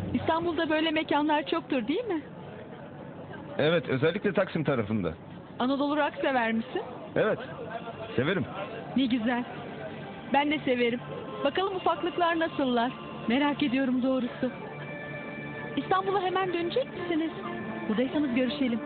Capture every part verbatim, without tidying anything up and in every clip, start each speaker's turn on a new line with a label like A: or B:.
A: İstanbul'da böyle mekanlar çoktur değil mi?
B: Evet, özellikle Taksim tarafında.
A: Anadolu rock sever misin?
B: Evet, severim.
A: Ne güzel. Ben de severim. Bakalım ufaklıklar nasıllar? Merak ediyorum doğrusu. İstanbul'a hemen dönecek misiniz? Buradaysanız görüşelim.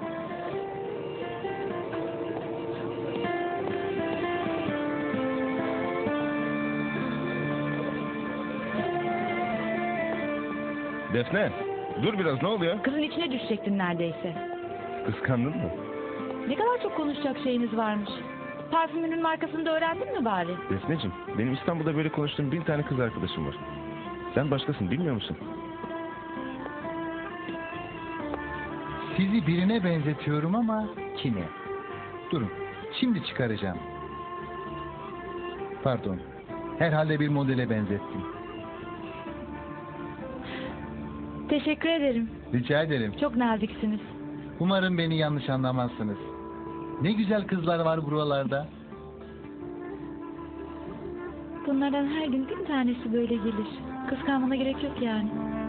B: Defne, dur biraz, ne oluyor?
C: Kızın içine düşecektin neredeyse.
B: Kıskandın mı?
C: Ne kadar çok konuşacak şeyiniz varmış. Parfümünün markasını da öğrendin mi bari?
B: Defneciğim, benim İstanbul'da böyle konuştuğum bin tane kız arkadaşım var. Sen başkasın, bilmiyor musun?
D: Sizi birine benzetiyorum ama kime? Durun, şimdi çıkaracağım. Pardon, herhalde bir modele benzettim.
C: Teşekkür ederim.
D: Rica ederim.
C: Çok naziksiniz.
D: Umarım beni yanlış anlamazsınız. Ne güzel kızlar var buralarda.
C: Bunlardan her gün bir tanesi böyle gelir. Kıskanmana gerek yok yani.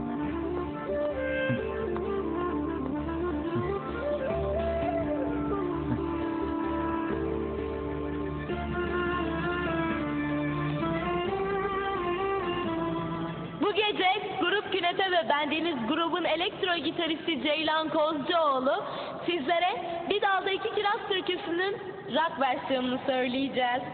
E: Bu gece Grup Künefe ve bendeniz grubun elektro gitaristi Ceylan Kozcuoğlu sizlere Bir Dalda İki Kiraz türküsünün rock versiyonunu söyleyeceğiz.